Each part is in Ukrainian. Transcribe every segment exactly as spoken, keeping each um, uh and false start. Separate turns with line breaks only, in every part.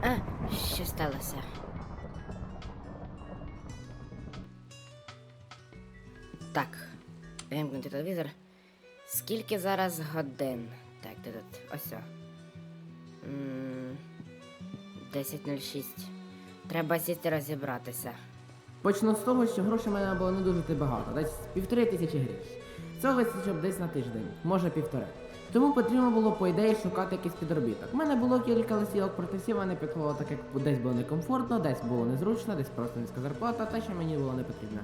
А, що сталося? Так, вимкнути телевізор. Скільки зараз годин? Так, де тут? Ось. десять нуль шість. Треба сісти розібратися.
Почну з того, що грошей в мене було не дуже багато, десь півтори тисячі гривень. Цього вистачило б десь на тиждень, може півтори. Тому потрібно було, по ідеї, шукати якийсь підробіток. У мене було кілька листівок протестів, вони підходили так, як десь було некомфортно, десь було незручно, десь просто низька зарплата, те, що мені було не потрібно.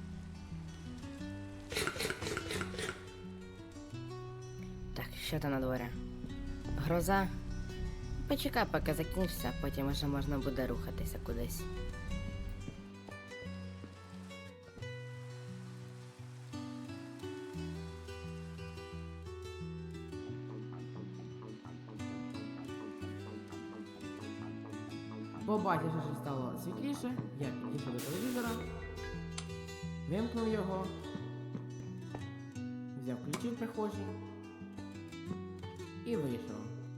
Так, що там на дворі? Гроза? Почекай, поки закінчиться, а потім вже можна буде рухатися кудись.
Побачивши, що стало світліше, я підійшов до телевізора, вимкнув його, взяв ключі в прихожій і вийшов.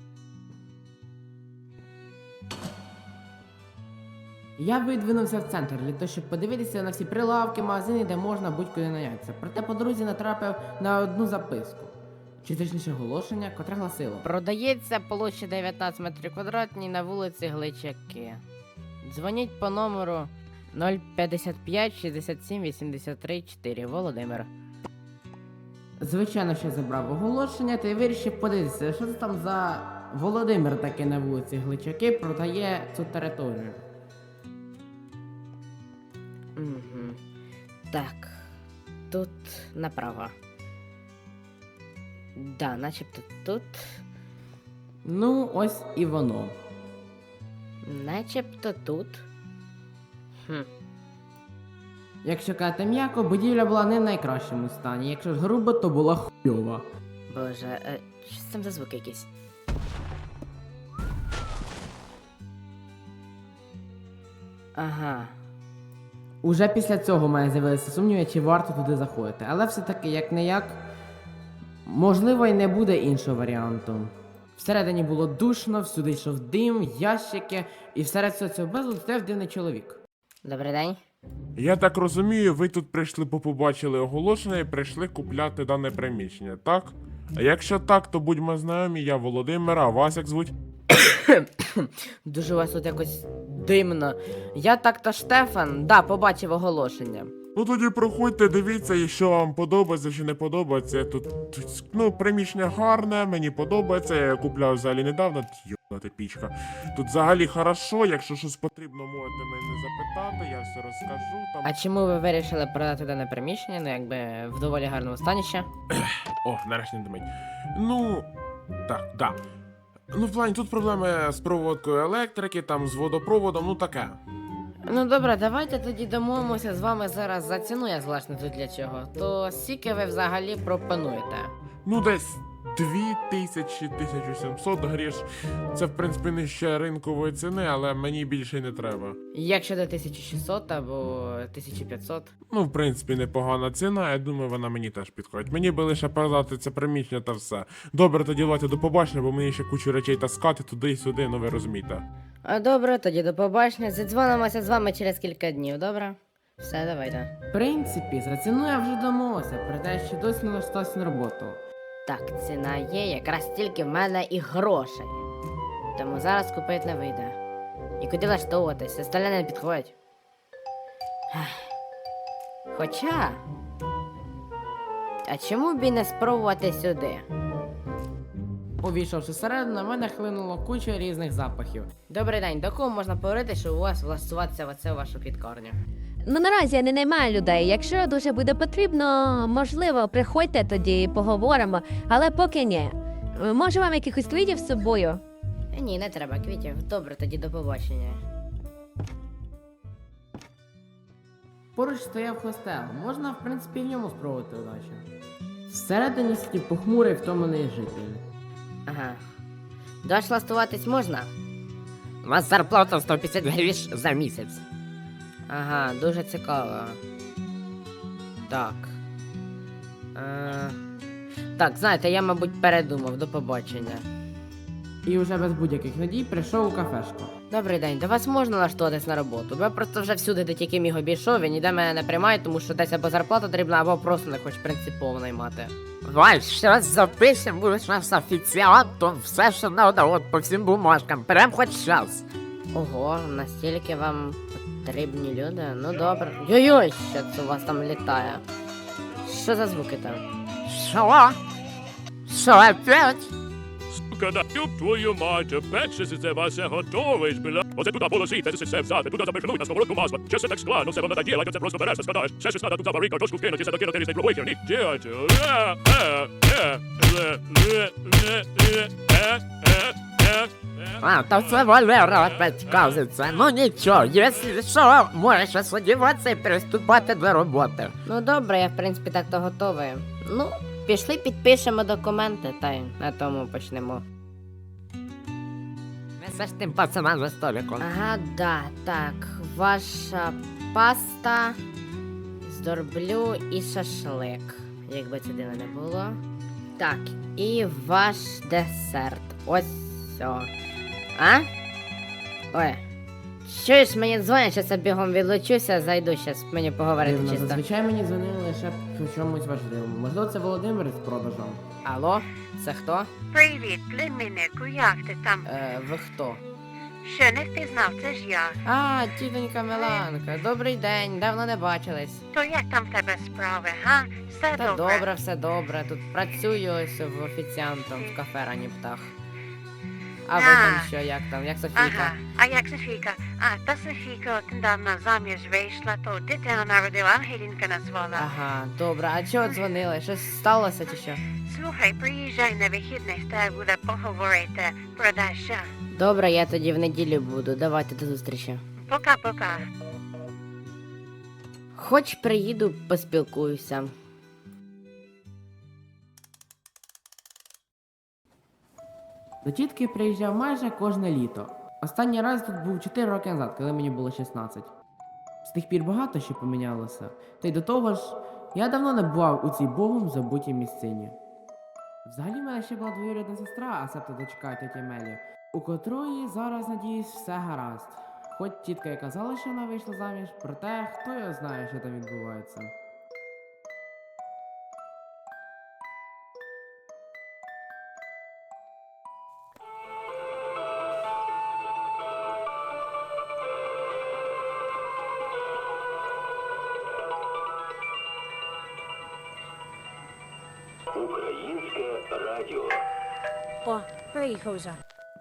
Я видвинувся в центр для того, щоб подивитися на всі прилавки, магазини, де можна будь-куди нанятися. Проте по дорозі натрапив на одну записку, чи точніше оголошення, котре гласило:
Продається площа дев'ятнадцять метрів квадратні на вулиці Гличаки. Дзвоніть по номеру нуль п'ятдесят п'ять шістдесят сім вісімдесят три чотири. Володимир.
Звичайно, що я забрав оголошення та й вирішив подивитися, що це там за Володимир таки на вулиці Гличаки продає цю територію.
Угу. Так, тут направо. Да, начебто тут.
Ну, ось і воно.
Начебто тут. Хм.
Якщо казати м'яко, будівля була не в найкращому стані, якщо ж грубо, то була хуйова.
Боже, е, що це там за звуки якісь? Ага.
Уже після цього в мене з'явилися сумніви, чи варто туди заходити. Але все-таки, як не як, можливо, і не буде іншого варіанту. Всередині було душно, всюди йшов дим, ящики, і всеред цього цього безладу стояв дивний чоловік.
Добрий день.
Я так розумію, ви тут прийшли, бо побачили оголошення і прийшли купляти дане приміщення, так? А якщо так, то будьмо знайомі, я Володимир, а вас як звуть?
Дуже у вас тут якось димно. Я так-то Штефан, да, побачив оголошення.
Ну тоді проходьте, дивіться, і що вам подобається, що не подобається. Тут, тут ну, приміщення гарне, мені подобається, я його купляв взагалі недавно. Йобнути пічка. Тут взагалі хорошо, якщо щось потрібно, можете мене запитати, я все розкажу. Там...
А чому ви вирішили продати дане приміщення, ну якби в доволі гарному стані ще?
О, нарешті не димить. Ну, так, да. Ну, в плані, тут проблеми з проводкою електрики, там з водопроводом, ну таке.
Ну добре, давайте тоді домовимося з вами зараз за ціну, я злашне тут для чого. То скільки ви взагалі пропонуєте?
Ну, десь дві тисячі тисяча сімсот гріш. Це, в принципі, нижче ринкової ціни, але мені більше й не треба.
Якщо до тисяча шістсот або тисяча п'ятсот?
Ну, в принципі, непогана ціна, я думаю, вона мені теж підходить. Мені би лише продати це приміщення та все. Добре, тоді давайте до побачення, бо мені ще кучу речей таскати туди і сюди, ну ви розумієте.
А добре, тоді до побачення. Задзвонимося з вами через кілька днів, добре? Все, давайте.
В принципі, за ціну я вже домовився, проте ще досі не влаштувався на роботу.
Так, ціна є, якраз стільки в мене і грошей. Тому зараз купити не вийде. І куди влаштовуватись, остальне не підходять. Ех. Хоча. А чому б і не спробувати сюди?
Увійшовши всередину, на мене хлинуло куча різних запахів.
Добрий день, до кого можна поговорити, що у вас влаштуватися в оце вашу квіткарню?
Ну наразі я не наймаю людей. Якщо дуже буде потрібно, можливо, приходьте тоді і поговоримо, але поки ні. Може вам якихось квітів з собою?
Е, Ні, не треба квітів. Добре, тоді до побачення.
Поруч стояв хостел, можна, в принципі, в ньому спробувати удачу. Всередині сидів похмурий втомлений житель.
Ага. До вас влаштуватись можна?
У вас зарплата сто п'ятдесят гривень за місяць.
Ага, дуже цікаво. Так. Е... Так, знаєте, я, мабуть, передумав. До побачення.
і вже без будь-яких надій прийшов у кафешку.
Добрий день, до вас можна влаштуватись на роботу? Бо я просто вже всюди, де тільки міг обійшов, і ніде мене не приймають, тому що десь або зарплата дрібна, або просто не хоч принципово наймати.
Вай, щас запишем, будеш нас офіціантом, все, що надо, от по всім бумажкам, прям хоч щас.
Ого, настільки вам потрібні люди? Ну добре. Йой-йой, що це у вас там літає? Що за звуки там?
Що? Що, опять?
Сука, да ёб твою мать, опять ще це Вася готовий, бля. Оце туди положити, це все взяти, туди запихнуть на сковородку масло. Ще все так складно, все воно наділать, оце просто береш, складаєш. Ще щось надо туди варити, картошку вкинути, все докинути різний пробуй херні. Дядь, е, е, е, е, е, е, е, е, е, е.
А, то це Валера опять казиться. Ну нічого, якщо що, можеш сподіватися і приступати до роботи.
Ну добре, я в принципі так то готовий. Ну, пішли підпишемо документи, та й на тому почнемо.
Несеш тим пацанам за столиком.
Ага, да, так. Ваша паста з дорблю і шашлик. Якби це дивно не було. Так, і ваш десерт. Ось все. А? Ой. Чуєш, мені дзвонять, щас я бігом відлучуся, зайду щас мені поговорити
Дивно,
чисто.
зазвичай мені дзвонили лише по чомусь важливому. Можливо, це Володимир з продажом.
Алло, це хто?
Привіт, племіннику, як ти там?
Е, ви хто?
Що не впізнав, це ж я.
А, тітонька Меланка, добрий день, давно не бачились.
То як там в тебе справи, га? Все
Та
добре?
добре, все добре. Тут працюю ось в офіціантом в кафе Рані Птах. А ви там
А.
що, як там, як Софійка?
Ага, а як Софійка? А, та Софійка от недавно заміж вийшла, то дитину народила, Ангелінка назвала.
Ага, добре, а чого дзвонили? Щось сталося чи що?
Слухай, приїжджай на вихідних, та буде поговорити про Даша.
Добре, я тоді в неділю буду. Давайте до зустрічі.
Пока-пока.
Хоч приїду, поспілкуюся.
До тітки приїжджав майже кожне літо. Останній раз тут був чотири роки назад, коли мені було шістнадцять. З тих пір багато що помінялося. Та й до того ж, я давно не бував у цій богом забутій місцині. Взагалі в мене ще була двоюрідна сестра, а себто дочка тьоті Мелі, у котрої зараз, надіюсь, все гаразд. Хоч тітка і казала, що вона вийшла заміж, проте хто його знає, що там відбувається.
Українське радіо.
О, приїхав вже.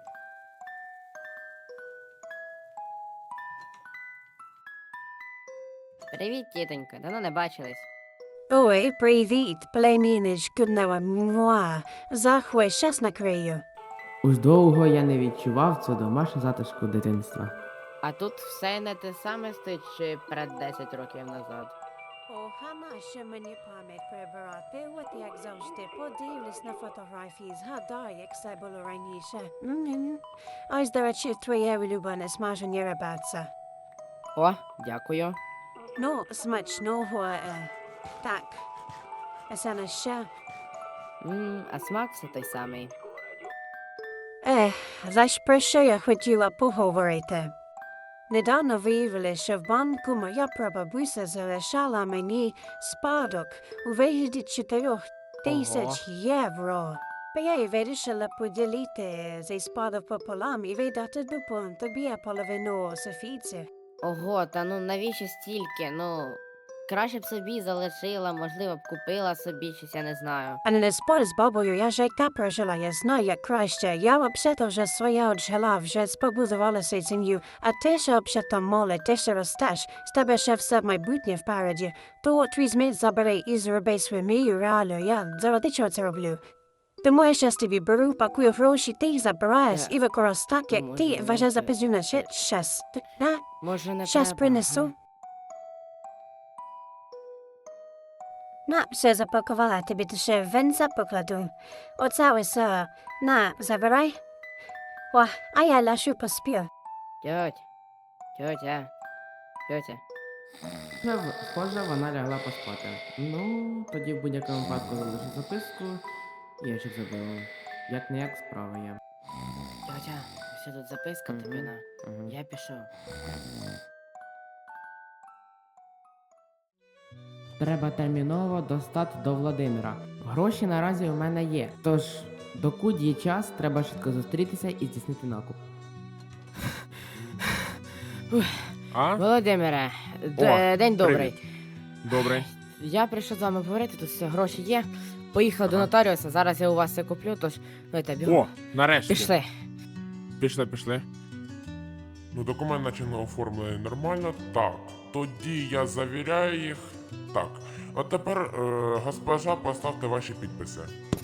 Привіт, тітонька, давно не бачились.
Ой, привіт, племінничку муа. Захуй, щас накрию.
Уж довго я не відчував цього домашнього затишку дитинства.
А тут все не те саме стоїть, що й перед десять років назад.
Ох, нащо мені пам'ять прибирати, от як завжди, подивлюсь на фотографії, згадай, як все було раніше. М-м. Ось, до речі, твоє улюблене смажені ребятця.
О, дякую.
Ну, смачного, е, так. А це на ще?
Ммм, а смак все той самий.
Ех, за ж про що я хотіла поговорити. Недавно виявили, що в банку моя прабабуся залишала мені спадок у вигляді чотирьох тисяч євро. Бо я й вирішила поділити цей спадок пополам і видати дупон тобі, а половину Софійці.
Ого, та ну навіщо стільки? Ну, краще б собі залишила, можливо б купила собі щось, я не знаю.
А не спор з бабою, я життя прожила, я знаю, як краще. Я взагалі вже своє отжила, вже побудувалася сім'ю. А ти ще взагалі молодь, ти ще ростеш, з тебе ще все майбутнє впереді. То от візьми, забери і зроби свою мрію реально, я заради чого це роблю. Тому я щас тобі беру, пакую гроші, ти їх забираєш
Е,
і використав так, як ти
може,
вважаєш за
це-
пиздюна. Ще, щас. На,
Може не
щас
треба?
принесу. На, все запакувала, тобі ти ще венця покладу. Оце ось, е, на, забирай. О, а я лишу поспів.
Тьоть, тьотя, тьотя.
Вже, в- схоже, вона лягла поспати. Ну, тоді в будь-якому випадку залишу записку і я ще забила. Як не як справа є.
Катя, все тут записка тобі на. Я пішов.
Треба терміново достати до Володимира. Гроші наразі у мене є. Тож, докуди є час, треба швидко зустрітися і здійснити накуп.
А?
Володимире, д-
О,
е, день добрий.
привіт. Добре.
Я прийшов з вами поговорити, тут все гроші є. Поїхав до
Ага.
нотаріуса, зараз я у вас все куплю, тож давайте бігом.
О, нарешті.
Пішли.
Пішли, пішли. Ну, документ наче оформлений нормально. Так, тоді я завіряю їх. Так. А тепер, е, госпожа, поставте ваші підписи.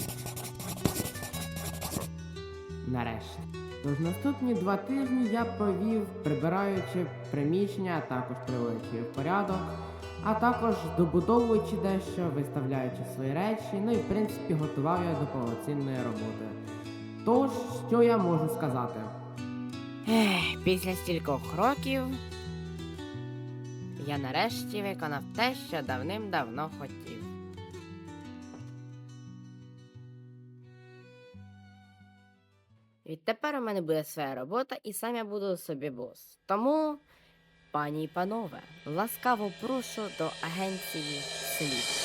Нарешті. Тож наступні два тижні я провів, прибираючи приміщення, а також приводячи в порядок, а також добудовуючи дещо, виставляючи свої речі, ну і в принципі готував я до повноцінної роботи. Тож, що я можу сказати?
Ех, після стількох років я нарешті виконав те, що давним-давно хотів. Відтепер у мене буде своя робота і сам я буду собі бос. Тому, пані і панове, ласкаво прошу до агенції слід.